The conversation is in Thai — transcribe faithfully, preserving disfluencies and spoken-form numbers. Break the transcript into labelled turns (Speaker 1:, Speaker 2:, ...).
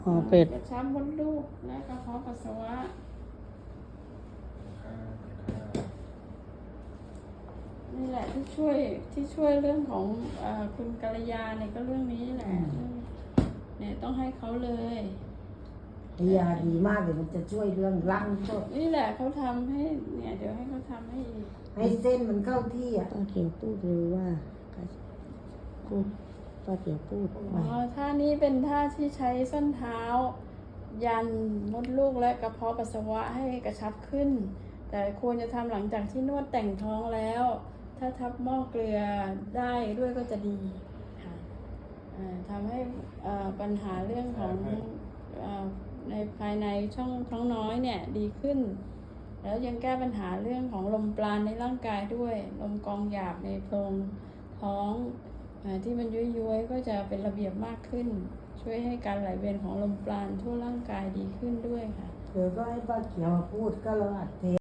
Speaker 1: อ๋อเป็ด
Speaker 2: กระชับมดลูกและกระเพาะปัสสาวะนี่แหละที่ช่วยที่ช่วยเรื่องของเอ่อคุณกัลยาเนี่ยก็เรื่องนี้แหละเนี่ยต้องให้เขาเลย
Speaker 3: ยาดีมากเลยมันจะช่วยเรื่องร่างก็
Speaker 2: นี่แหละเขาทำให้เนี่ยเดี๋ยวให้เขาทำให้อีก
Speaker 3: ให้เส้นมันเข้าที่อ่ะ
Speaker 1: ป้าเขียวพูดเลยว่าพูดป้าเขียวพูดไป
Speaker 2: อ๋อท่านี้เป็นท่าที่ใช้ส้นเท้า ยันมดลูกและกระเพาะปัสสาวะให้กระชับขึ้น แต่ควรจะทำหลังจากที่นวดแต่งท้องแล้ว ถ้าทับหม้อเกลือได้ด้วยก็จะดีค่ะทำให้ปัญหาเรื่องของในภายในช่องท้องน้อยเนี่ยดีขึ้น แล้วยังแก้ปัญหาเรื่องของลมปราณในร่างกายด้วยลมกองหยาบในโพรงท้องที่มันย้วยๆก็จะเป็นระเบียบมากขึ้น ช่วยให้การไหลเวียนของลมปราณทั่วร่างกายดีขึ้นด้วยค่ะ
Speaker 3: เดี๋ยวก็ให้ป้าเขียวพูดก็เราอัดเท